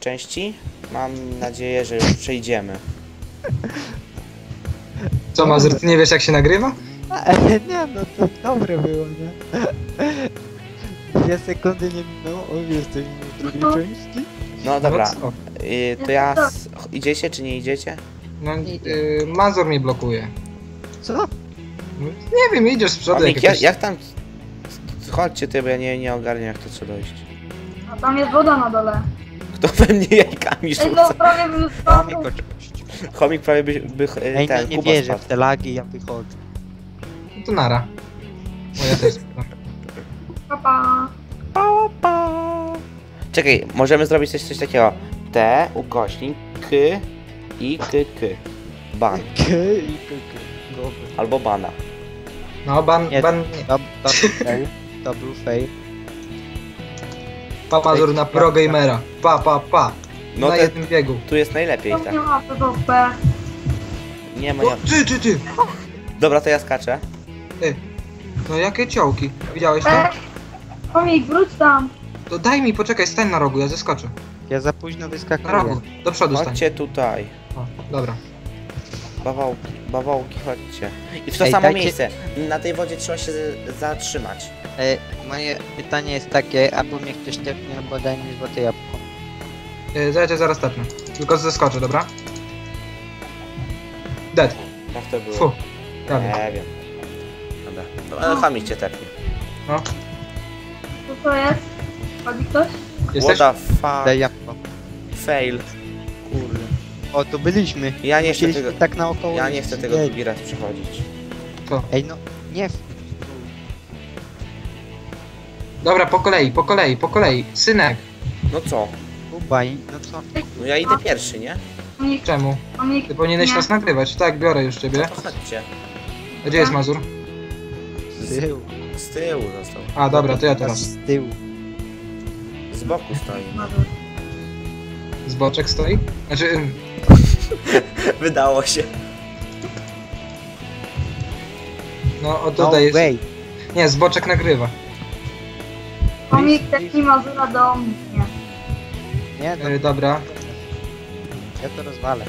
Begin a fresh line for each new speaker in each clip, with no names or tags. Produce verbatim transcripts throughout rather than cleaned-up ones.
części. Mam nadzieję, że już przejdziemy.
Co, Mazur, ty nie wiesz jak się nagrywa?
Nie no, to dobre było, nie? Dwie sekundy nie minęło, o jesteśmy w drugiej części.
No dobra,
No, co?
y, to ja... S... Idziecie czy nie idziecie?
No, yy, Mazur mnie blokuje.
Co?
No, nie wiem, idziesz z przodu.
Omik,
jak
jak,
jakaś-
jak tam... Chodźcie ty, bo ja nie, nie ogarniam jak to trzeba dojść.
A tam jest woda na dole.
Kto we mnie jajkami
Ej, no
rzuca?
prawie bym
Mamy
spadł.
oczywiście.
Chomik prawie by, by y,
Ej, no
ten
nie
Kuba
wierzę
spadł.
w te lagi, ja wychodzę.
No to nara. O, ja też spadam.
Papa.
Pa, pa. Czekaj, możemy zrobić coś, coś takiego. T, ukośnik, K i K, K. Ban.
Okej, okej, dobra.
Albo bana.
No, ban,
Nie.
ban, nie.
To, to był fail, to był fail.
Pa, Mazur na pro gamera. Pa, pa, pa.
No
na
te,
jednym biegu.
tu jest najlepiej,
To
tak.
nie ma P V P.
Nie ma, nie
O, ty, ty, ty.
Dobra, to ja skaczę.
Ty. No jakie ciołki. Widziałeś to?
Ej, Komik, wróć tam.
To daj mi, poczekaj, stań na rogu, ja zeskoczę.
Ja za późno
Na
wyskakuję.
rogu, do przodu stań.
Chodźcie tutaj.
O, dobra.
Bawołki, bawołki, chodźcie. I w to
Ej,
samo
dajcie-
miejsce. Na tej wodzie trzeba się z- zatrzymać.
E, moje pytanie jest takie, albo mnie ktoś tepnie, albo daj mi złote jabłko.
Yy, zaraz cię zaraz tepnę. Tylko zeskoczę, dobra? Dead.
Jak to było?
Fu. Prawie.
Nie wiem. Dobra. No, ale Chomik cię tepnie.
No.
Co to jest? Chodzi ktoś?
Jesteś?
What the fuck?
Daj jabłko.
Fail. Kurde.
O, tu byliśmy.
Ja nie chcę
Musieliśmy
tego...
tak naokoło.
Ja nie chcę tego
siedzieć.
drugi raz przechodzić.
Co?
Ej, no, nie.
Dobra, po kolei, po kolei, po kolei. Synek.
No co?
Kubaj, no co?
No ja idę pierwszy, nie?
Komik,
Czemu?
Komik.
Ty powinieneś
nie.
nas nagrywać. Tak, biorę już ciebie.
To chodźcie.
A gdzie jest Mazur?
Z tyłu.
Z tyłu został.
A, dobra, to ja teraz.
Z tyłu.
Z boku stoi.
Z boczek stoi? Znaczy, ym,
Wydało się.
no o
No
tutaj jest.
way.
Nie, z boczek nagrywa.
Komik, tepnij Mazura do mnie.
Nie, no,
Yy, dobra.
ja to rozwalę.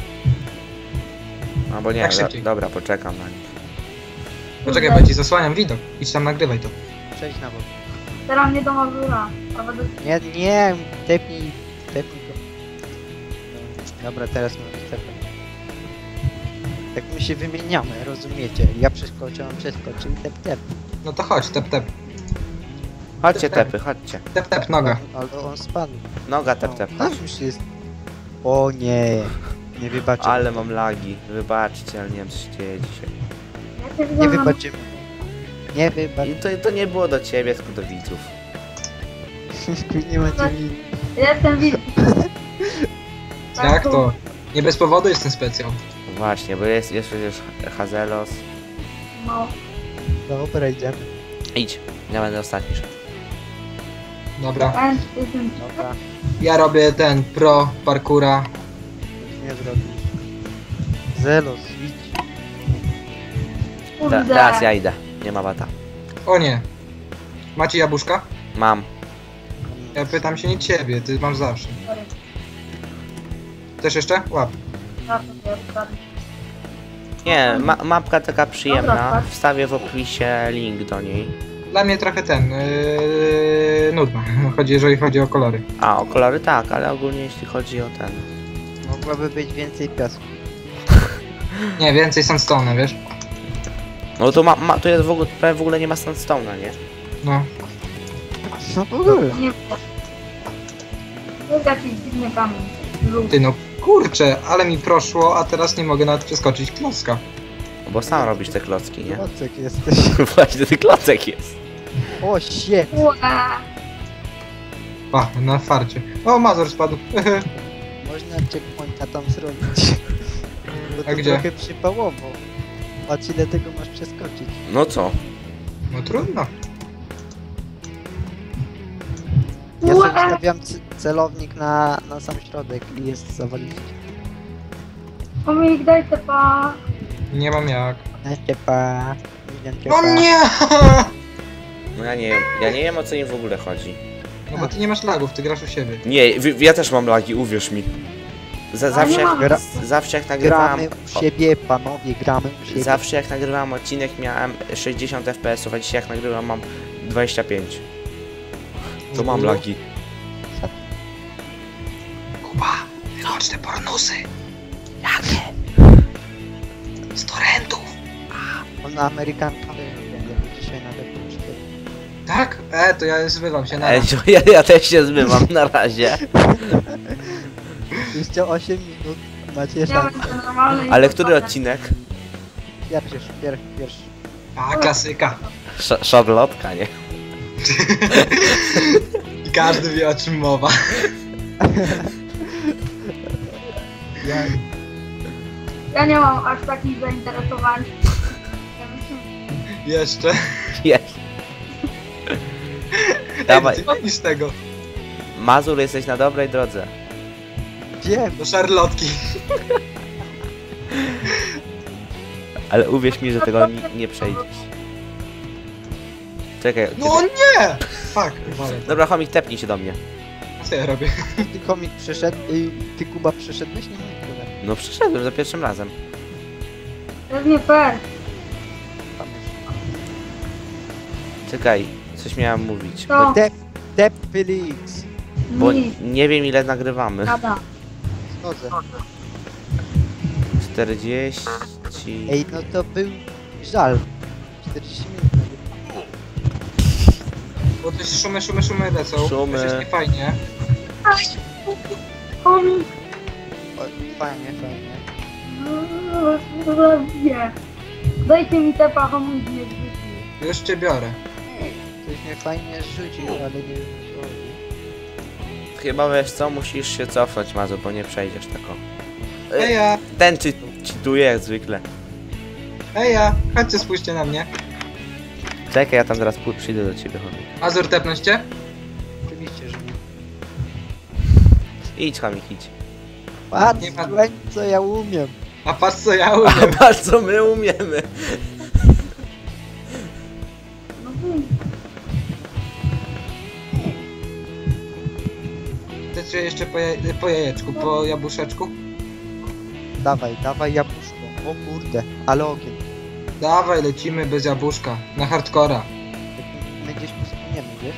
Albo nie,
Tak
do,
szybciej.
dobra, poczekam na nich.
Poczekaj, bo ci zasłaniam widok. Idź tam, nagrywaj to.
Przejdź na bok.
Teraz mnie do Mazura. A będę...
Nie, nie, tepnij, tepnij go. No, dobra, teraz możesz tepnąć. Tak my się wymieniamy, rozumiecie? Ja przeskoczę, on przeskoczy i tep, tep.
No to chodź, tep, tep.
Chodźcie tepy, chodźcie.
Tep, tep, noga.
Ale on spadł.
Noga tep, tep.
No, tam już jest. O nie, nie wybaczę.
Ale mam lagi. Wybaczcie, ale nie wiem co się dzieje dzisiaj.
Ja cię widzę
Nie
na-
wybaczymy. Nie wybacz.
I to, to nie było do ciebie, tylko do widzów.
Nie macie mi.
Ja jestem widz.
Jak to? Nie bez powodu jest ten specjal.
Właśnie, bo jest jeszcze już Hazelos.
No.
Dobra, idziemy.
Idź, ja będę ostatni szedł.
Dobra.
Ten, ten.
Dobra,
Ja robię ten pro parkura.
nic nie zrobisz. Zelos, idź.
Te,
Kurde.
teraz ja idę, nie ma bata.
O nie. Macie jabłuszka?
Mam.
Ja pytam się nie ciebie, ty masz zawsze.
Sorry.
Też jeszcze? Łap.
Ja to wiem,
Nie, ma, mapka taka
Dobra,
przyjemna.
tak.
Wstawię w opisie link do niej.
Dla mnie trochę ten, yy, nudno, chodzi, jeżeli chodzi o kolory.
A, o kolory tak, ale ogólnie jeśli chodzi o ten.
Mogłaby być więcej piasku.
Nie, więcej sandstone'a, wiesz?
No to ma, ma to jest w ogóle, prawie w ogóle nie ma sandstone'a, nie?
No.
No w ogóle.
Nie wiem. To jest jakiś dziwny kamień. Żółty.
Ty no, kurczę, ale mi proszło, a teraz nie mogę nawet przeskoczyć klocka.
No bo sam robisz te klocki, nie?
Klocek jesteś.
Właśnie, ten klocek jest.
O, shit.
Ue.
Pa, na farcie. O, Mazur spadł.
Można checkpointa tam zrobić. Bo to
A gdzie?
trochę przypałowo. Patrz ile tego masz przeskoczyć.
No co?
No trudno.
Ja
Ue.
sobie stawiam c- celownik na, na sam środek i jest zawalić.
Komik, daj te pa.
Nie mam jak.
Ciepa.
O nie!
No ja nie wiem, ja nie wiem o co im w ogóle chodzi.
No bo ty nie masz lagów, ty grasz u siebie.
Nie, wy- ja też mam lagi, uwierz mi. Za,
Ale
zawsze,
nie
jak,
Gra-
z- zawsze jak nagrywałem...
Gramy u siebie, panowie, gramy u siebie.
Zawsze jak nagrywałem odcinek miałem sześćdziesiąt F P S ów, a dzisiaj jak nagrywam mam dwadzieścia pięć. To mam lagi.
Kuba, wyłącz te pornusy. Jakie? Z torrentów.
On Amerykanka będzie dzisiaj na depół.
Tak? E, to ja zbywam się na
Ej, ja, ja też się zbywam na razie.
Jeszcze osiem minut. Macie
Ja
szansę.
będę normalny. i
Ale który
zostanę.
odcinek?
Pierwszy, pierwszy, pierwszy.
A, klasyka.
Sz- Szarlotka, nie?
I każdy wie, o czym mowa.
Ja,
Ja nie mam aż takich zainteresowań. Ja myślę,
Jeszcze.
Jest. Dawaj,
Ej, ty niż tego.
Mazur, jesteś na dobrej drodze.
wiem,
Do szarlotki.
Ale uwierz mi, że tego nie, nie przejdziesz. Czekaj,
No
kiedy...
nie! Fuck, uważaj.
Dobra, chomik, tepnij się do mnie.
Co ja robię?
ty komik przyszedł, y, ty Kuba przyszedłeś? Nie wiem, tyle.
No przyszedłem za pierwszym razem.
to jest nie fair.
Tam już.
Czekaj, coś miałem mówić.
To
Dep, Dep Felix.
Bo
mi
nie wiem ile nagrywamy.
gada.
Schodzę.
czterdzieści...
Ej, no to był żal. czterdzieści minut.
Bo to jest szumy, szumy, szumy lecą.
Szumy.
To jest niefajnie.
Komik.
O, fajnie, fajnie.
Nie. Dajcie mi te pachomnik nie zwykli.
Już cię biorę.
Ktoś mnie fajnie zrzucił, ale nie wiem co.
Chyba wiesz co, musisz się cofnąć, Mazur, bo nie przejdziesz tako.
Ej ja,
Ten czy czytuje jak zwykle.
ej ja, chodźcie spójrzcie na mnie.
Czekaj, ja tam zaraz pój- przyjdę do ciebie, chomik.
Azur, tepnąć cię?
Oczywiście, że nie.
Idź, chomik, idź.
Patrz,
Nie ma-
słuchaj, co ja umiem.
A patrz co ja
A
umiem.
patrz co my umiemy.
No wyjdź.
Chcecie jeszcze po, je, po jajeczku, po jabłuszeczku?
Dawaj, dawaj jabłuszko. O kurde, ale ogień.
Dawaj, lecimy bez jabłuszka. Na hardcora.
Jak my gdzieś pospłyniemy, wiesz?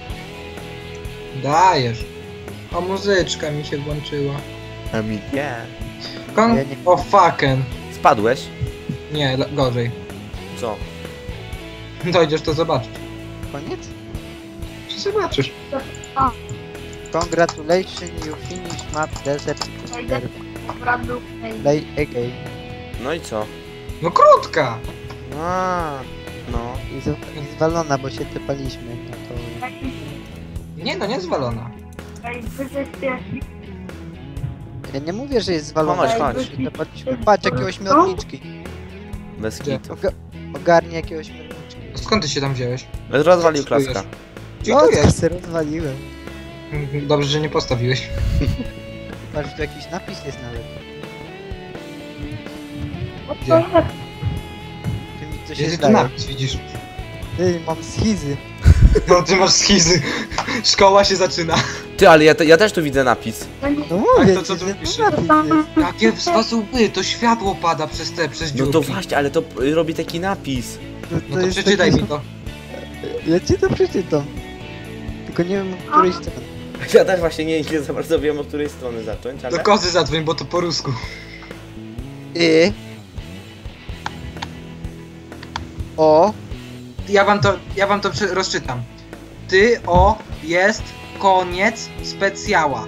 Dajesz. O, muzyczka mi się włączyła.
A mi nie.
Kon...
Ja nie-
O fucken.
Spadłeś?
Nie, le- gorzej.
Co?
Dojdziesz to zobaczyć.
Koniec?
Zobaczysz.
Congratulations, you finish map desert.
Wejdę brat był ej.
Play again.
No i co?
No krótka!
A, no.
I, z, i zwalona, bo się tepaliśmy. No to...
Taki
Nie no, nie zwalona.
ej, wyzyskujesz.
Ja nie mówię, że jest zwalona.
Chodź,
bo
chodź.
się tepaliśmy. Patrz, jakie ośmiorniczki.
Bez
Gdzie?
kitu.
Oga ogarnie jakie ośmiorniczki.
Skąd ty się tam wziąłeś?
Rozwalił
Co tu
klaska.
Gdzie
No,
tu
to
jest?
się rozwaliłem.
Dobrze, że nie postawiłeś.
Patrz, tu jakiś napis jest nawet.
O
Gdzie?
co jest?
Ty mi co się
Jest tu
zdaje.
napis, widzisz?
Ty, mam schizy.
No ty masz schizy. Szkoła się zaczyna.
Ty, ale ja, te, ja też tu widzę napis.
To nie
No mówię
to co
ci,
tu
że
pisze?
tu napis jest.
Jakie sposoby? To światło pada przez te, przez
No
dziurki.
to właśnie, ale to p- robi taki napis.
No,
No to
jest
przeczytaj
taki-
mi to.
Ja ci to przeczytam. Tylko nie wiem, o której stronie.
Ja też właśnie nie, nie za bardzo wiem, od której strony zacząć, ale...
Do kozy zadzwoń, bo to po rusku.
Y. O.
Ja wam to, ja wam to prze- rozczytam. Ty, o, jest, koniec, specjała.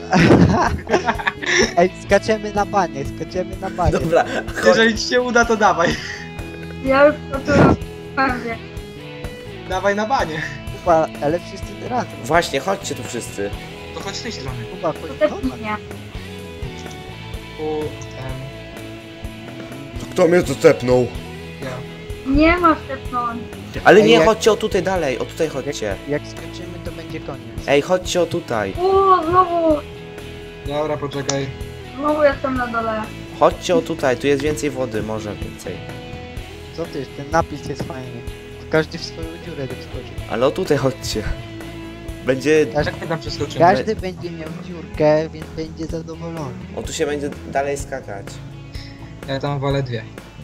Ej, skaczemy na banie, skaczemy na banie.
Dobra, chodź.
Jeżeli ci się uda, to dawaj.
Ja już to tu pewnie.
Dawaj na banie.
Kuba, ale wszyscy razem.
Właśnie, chodźcie tu wszyscy.
To chodź z tej strony.
Kuba,
To
chodź
też
do nas.
nie.
U, em,
Kto mnie zacepnął?
ja.
Nie ma szepnąć.
Ale
Ej,
nie,
jak-
chodźcie o tutaj dalej, o tutaj chodźcie.
Jak skoczymy, to będzie koniec.
Ej, chodźcie o tutaj.
O, znowu,
Dobra, poczekaj.
znowu jestem na dole.
Chodźcie o tutaj, tu jest więcej wody, może więcej.
Co ty, ten napis jest fajny. Każdy w swoją dziurę doskoczy.
Ale o tutaj chodźcie. Będzie...
Każdy,
Jak my tam przeskoczymy?
każdy będzie miał dziurkę, więc będzie zadowolony.
O, tu się będzie dalej skakać.
Ja tam wolę dwie.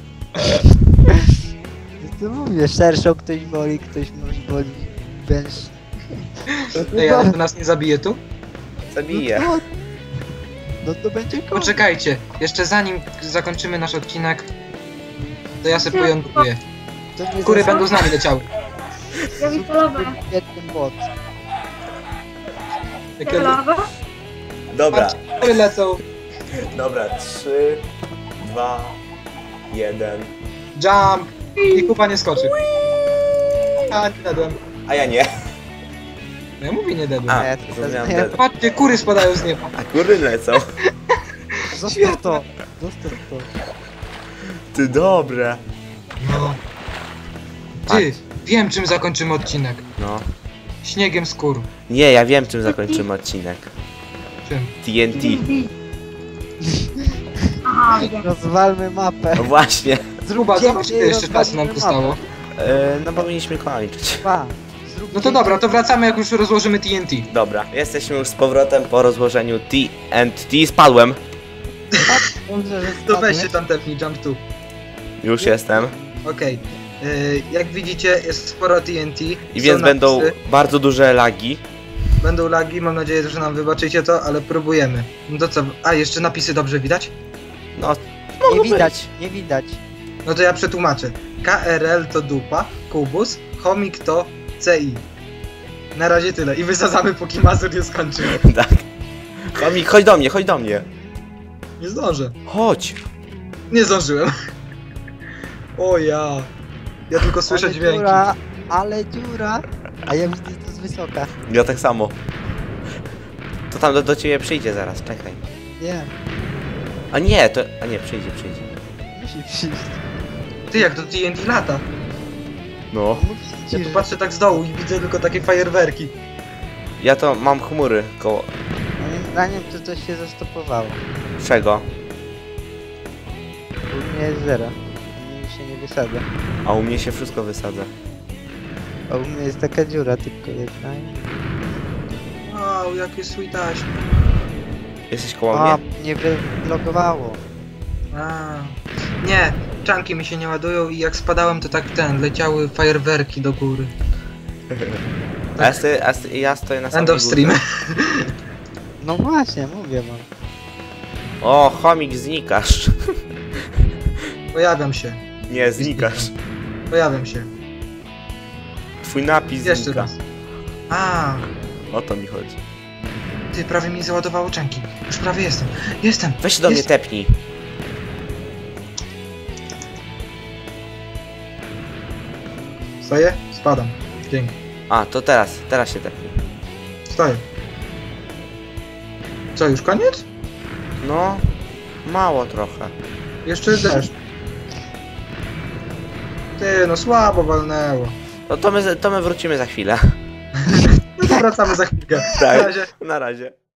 To mówię, szerszą ktoś woli, ktoś może woli węż.
Ej, ale to nas nie zabije tu?
Zabiję.
No, to- no to będzie koniec.
Poczekajcie, jeszcze zanim zakończymy nasz odcinek, to ja sobie pojątkuję.
To nie
Kury
zasad-
będą z nami leciały.
Ja widzę lawę.
Jeden bot.
Jak
Ja
ja...
lawę?
Dobra,
Kury lecą.
dobra, trzy, dwa, jeden.
Jump! I kupa nie skoczy. A, nie dedłem.
A ja nie.
No ja mówię nie dedłem.
A,
Nie, to
zrozumiałem
nie-
dead.
Patrzcie, kury spadają z nieba.
A kury lecą.
Zostaw to. Zostaw to.
Ty dobre.
No. Ty, wiem czym zakończymy odcinek.
No.
Śniegiem z kur.
Nie, ja wiem czym zakończymy odcinek.
Czym?
T N T.
Aha, wiem.
Rozwalmy mapę.
No właśnie.
Zruba,
Zróbcie
zobacz ile jeszcze czasu nam zostało.
E, no powinniśmy kończyć.
Dwa. Zróbcie
No to dobra, to wracamy jak już rozłożymy T N T.
Dobra, jesteśmy już z powrotem po rozłożeniu T N T. Spadłem.
Dobrze, że
To weź
spadłeś.
się tam tepnij, jump tu.
Już jestem.
Okej. Yy, jak widzicie jest sporo T N T.
I
są
więc będą
napisy,
bardzo duże lagi.
Będą lagi, mam nadzieję, że nam wybaczycie to, ale próbujemy. No to co? A, jeszcze napisy dobrze widać?
No,
Nie
mogą
widać,
być.
nie widać.
No to ja przetłumaczę. K R L to dupa, kubus, chomik to C I. Na razie tyle i wysadzamy póki Mazur nie skończy.
Tak. Chomik, chodź do mnie, chodź do mnie.
Nie zdążę.
Chodź.
Nie zdążyłem. O ja. Ja tylko słyszę
ale
dźwięki.
dziura, ale dziura. A ja widzę to z wysoka.
Ja tak samo. To tam do, do ciebie przyjdzie zaraz, czekaj.
Nie,
A nie, to... A nie, przyjdzie, przyjdzie.
musi przyjść.
Ty jak to T N T lata.
No.
Mówię
Ja
ci,
tu
że
patrzę tak z dołu i widzę tylko takie fajerwerki.
Ja to mam chmury koło...
moim zdaniem to coś się zastopowało.
Czego?
U mnie jest zero. U mnie się nie wysadza.
A u mnie się wszystko wysadza.
A u mnie jest taka dziura tylko jedna. i-
Wow, jakie sweetaś.
Jesteś koło
A,
mnie?
nie wylogowało.
A. Nie, czanki mi się nie ładują i jak spadałem to tak ten, leciały fajerwerki do góry.
A ja, stoję, a sto- ja stoję na samej
End of
górze.
stream.
No właśnie, mówię wam.
O, chomik, znikasz.
Pojawiam się,
Nie, znikasz.
pojawiam się.
Twój napis
Jeszcze
znika.
raz. A,
O to mi chodzi.
ty prawie mi załadowało czanki. Już prawie jestem. Jestem.
Weź się do mnie
Jest.
tepnij.
Stoję? Spadam. Dzięki.
A, to teraz, teraz się tepnij.
Stoję. Co, już koniec?
No, mało trochę.
Jeszcze deszcz. Ty, no słabo walnęło.
No to my, to my wrócimy za chwilę.
No to wracamy za chwilkę. Na
Tak,
razie.
na razie.